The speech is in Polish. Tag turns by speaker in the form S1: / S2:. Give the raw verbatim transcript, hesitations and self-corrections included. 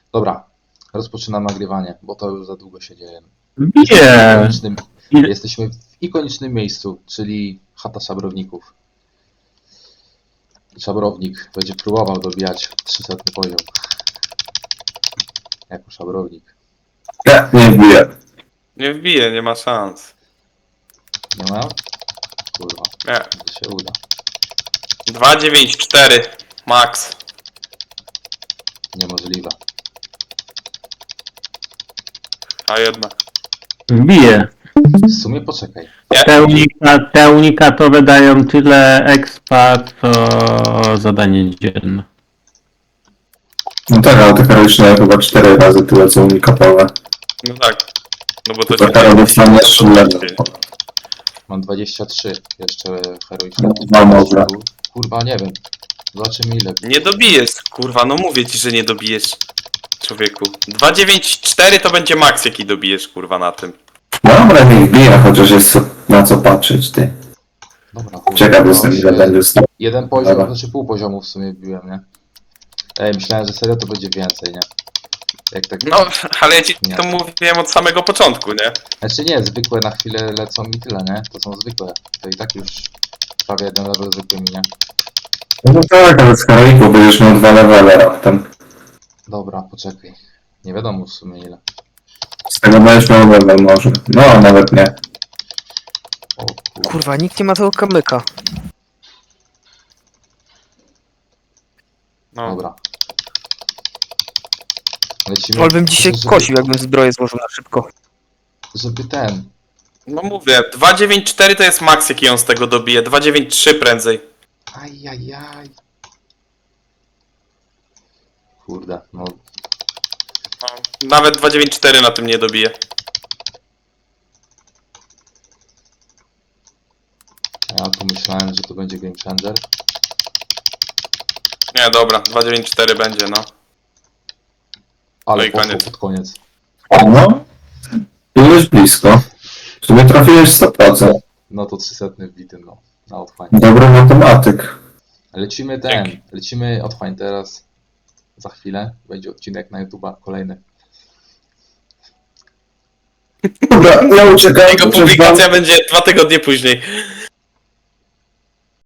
S1: Dobra, rozpoczynam nagrywanie, bo to już za długo się dzieje.
S2: Nie.
S1: Ikonicznym,
S2: Ile-
S1: jesteśmy w ikonicznym miejscu, czyli chata szabrowników. Szabrownik będzie próbował dobijać trzysetny poziom. Jako szabrownik.
S3: Nie, nie wbiję.
S4: Nie wbije, nie ma szans.
S1: Nie ma? Kurwa,
S4: Nie.
S1: to się uda.
S4: dwa dziewięć cztery max.
S1: Niemożliwe.
S4: A jednak.
S2: Wbije.
S1: W sumie poczekaj.
S2: Te, unika, te unikatowe dają tyle expa, co zadanie dzienne.
S3: No tak, ale te heroiczne chyba cztery razy tyle co unikatowe.
S4: No tak. No bo to
S3: To
S4: się
S3: teraz dostanie
S4: to
S3: trzy
S4: się
S3: level.
S4: dzieje.
S1: Mam dwadzieścia trzy jeszcze heroiczne.
S3: No może.
S1: Kurwa, nie wiem. Zobaczymy ile.
S4: Nie dobijesz, kurwa, no mówię ci, że nie dobijesz. Człowieku. dwa dziewięć cztery to będzie max, jaki dobijesz, kurwa, na tym.
S3: Dobra, nie wbiję, chociaż jest co, na co patrzeć, ty.
S1: Dobra, kurwa,
S3: Ciekaw
S1: no,
S3: jestem, ile
S1: się-
S3: będzie stał.
S1: Jeden poziom,
S3: Dobra.
S1: znaczy pół poziomu w sumie biłem, nie? Ej, myślałem, że serio to będzie więcej, nie? Jak tak...
S4: No, ale ja ci
S1: Nie.
S4: to mówiłem od samego początku, nie?
S1: Znaczy nie, zwykłe na chwilę lecą mi tyle, nie? To są zwykłe. To i tak już prawie jeden level zwykły mi, nie?
S3: No tak, ale z heroiku będziesz miał dwa levele raptem.
S1: Dobra, poczekaj. Nie wiadomo w sumie ile.
S3: Z tego będziesz miał level może. No, nawet nie.
S1: O kurwa.
S5: Kurwa, nikt nie ma tego kamyka.
S4: No.
S1: Dobra. Lecimy.
S5: Ale bym dzisiaj
S1: żeby,
S5: kosił, jakbym zbroję złożył na szybko.
S1: Żeby ten...
S4: No mówię, dwa dziewięć cztery to jest max, jaki on z tego dobije. dwa dziewięć trzy prędzej.
S1: Ajajaj. Kurde, no...
S4: No, nawet dwa dziewięć cztery na tym nie dobije.
S1: Ja tu myślałem, że to będzie game changer.
S4: Nie, dobra, dwa dziewięć cztery będzie, no.
S1: Ale
S4: No i
S1: poszło
S4: koniec.
S1: pod koniec.
S3: No, byłeś blisko. W sumie trafiłeś sto procent.
S1: No to trzysetny wbity, no. Na otchłań.
S3: Dobry matematyk.
S1: Lecimy ten,
S4: Dzięki.
S1: lecimy otchłań teraz. Za chwilę będzie odcinek na YouTube'a kolejny.
S3: Dobra, ja uciekam.
S4: Jego
S3: przed wam.
S4: publikacja będzie dwa tygodnie później.